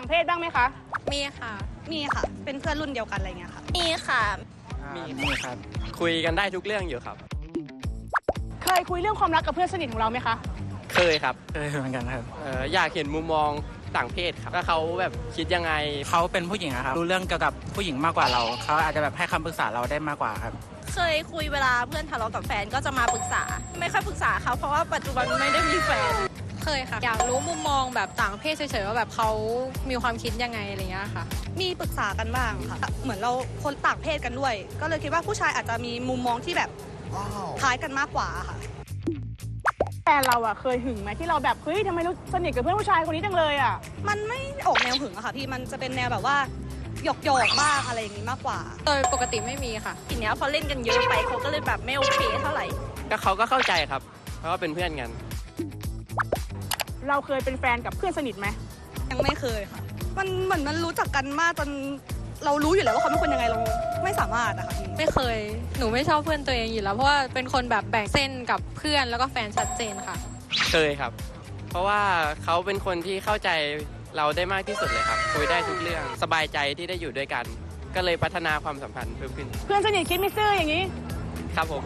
เพศบ้างไหมคะมีค่ะมีค่ะเป็นเพื่อนรุ่นเดียวกันอะไรเงี้ยค่ะมีค่ะมีครับคุยกันได้ทุกเรื่องอยู่ครับเคยคุยเรื่องความรักกับเพื่อนสนิทของเราไหมคะเคยครับเคยเหมือนกันครับอยากเห็นมุมมองต่างเพศครับว่าเขาแบบคิดยังไงเขาเป็นผู้หญิงครับรู้เรื่องเกี่ยวกับผู้หญิงมากกว่าเราเขาอาจจะแบบให้คำปรึกษาเราได้มากกว่าครับเคยคุยเวลาเพื่อนทะเลาะกับแฟนก็จะมาปรึกษาไม่ค่อยปรึกษาเขาเพราะว่าปัจจุบันไม่ได้มีแฟนเคยค่ะอยากรู้มุมมองแบบต่างเพศเฉยๆว่าแบบเขามีความคิดยังไงอะไรเงี้ยค่ะมีปรึกษากันบ้างค่ะเหมือนเราคนต่างเพศกันด้วยก็เลยคิดว่าผู้ชายอาจจะมีมุมมองที่แบบคล้ายกันมากกว่าค่ะแฟนเราอะเคยหึงไหมที่เราแบบเฮ้ยทำไมรู้สนิทกับเพื่อนผู้ชายคนนี้จังเลยอะมันไม่ออกแนวหึงอะค่ะพี่มันจะเป็นแนวแบบว่าหยอกบ้างอะไรอย่างนี้มากกว่าโดยปกติไม่มีค่ะทีเนี้ยพอเล่นกันเยอะไปเขาก็เลยแบบไม่โอเคเท่าไหร่ก็เขาก็เข้าใจครับเพราะว่าเป็นเพื่อนกันเราเคยเป็นแฟนกับเพื่อนสนิทไหมยังไม่เคยค่ะมันเหมือนมันรู้จักกันมากจนเรารู้อยู่แล้วว่าเขาเป็นคนยังไงเราไม่สามารถอะค่ะพี่ไม่เคยหนูไม่ชอบเพื่อนตัวเองอยู่แล้วเพราะว่าเป็นคนแบบแบ่งเส้นกับเพื่อนแล้วก็แฟนชัดเจนค่ะเคยครับเพราะว่าเขาเป็นคนที่เข้าใจเราได้มากที่สุดเลยครับคุยได้ทุกเรื่องสบายใจที่ได้อยู่ด้วยกันก็เลยพัฒนาความสัมพันธ์เพิ่มขึ้นเพื่อนสนิทคิดไม่ซื่ออย่างนี้ครับผม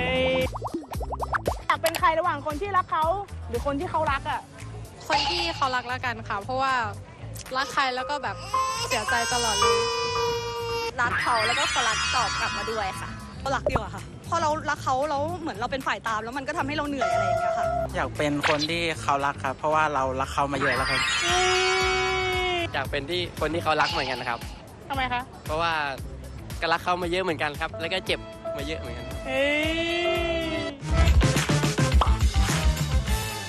อยากเป็นใครระหว่างคนที่รักเขาหรือคนที่เขารักอ่ะคนที่เขารักแล้วกันค่ะเพราะว่ารักใครแล้วก็แบบเสียใจตลอดเลยรักเขาแล้วก็เขารักตอบกลับมาด้วยค่ะเรารักดีกว่าค่ะพอเรารักเขาแล้วเหมือนเราเป็นฝ่ายตามแล้วมันก็ทำให้เราเหนื่อยอะไรอย่างเงี้ยค่ะอยากเป็นคนที่เขารักครับเพราะว่าเรารักเขามาเยอะแล้วครับอยากเป็นที่คนที่เขารักเหมือนกันนะครับทำไมคะเพราะว่าก็รักเขามาเยอะเหมือนกันครับแล้วก็เจ็บมาเยอะเหมือนกัน